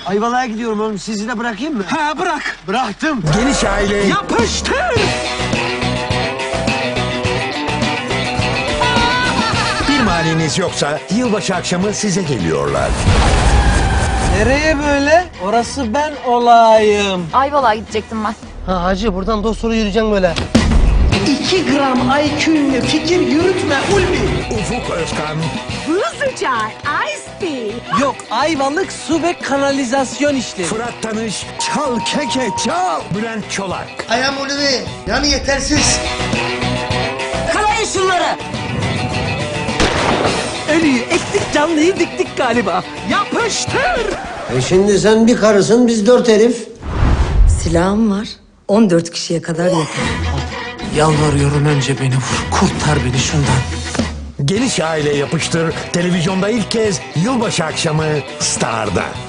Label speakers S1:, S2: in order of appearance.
S1: Ayvalık'a gidiyorum oğlum. Sizi de bırakayım mı?
S2: Ha bırak.
S1: Bıraktım.
S3: Geniş aile
S2: Yapıştır.
S3: bir maniniz yoksa yılbaşı akşamı size geliyorlar.
S1: Nereye böyle? Orası ben olayım.
S4: Ayvalık'a gidecektim ben.
S1: Ha hacı buradan dosturu yürüyeceksin böyle.
S5: 2 gram IQ'nle fikir yürütme Ulvi.
S3: Ufuk Özkan,
S6: Buzlu çay, ice tea.
S1: Yok Ayvalık su ve kanalizasyon işleri.
S3: Fırat Tanış, Çal Keke Çal, Bülent Çolak.
S5: Ayağım Ulvi. Yani yetersiz.
S6: Kalayın şunları.
S1: Ölüyü ektik canlıyı diktik galiba.
S2: Yapıştır.
S1: Şimdi sen bir karısın biz 4 herif.
S7: Silahım var. 14 kişiye kadar yeter.
S1: Yalvarıyorum önce beni vur. Kurtar beni şundan.
S3: Geniş aile yapıştır, televizyonda ilk kez yılbaşı akşamı Star'da.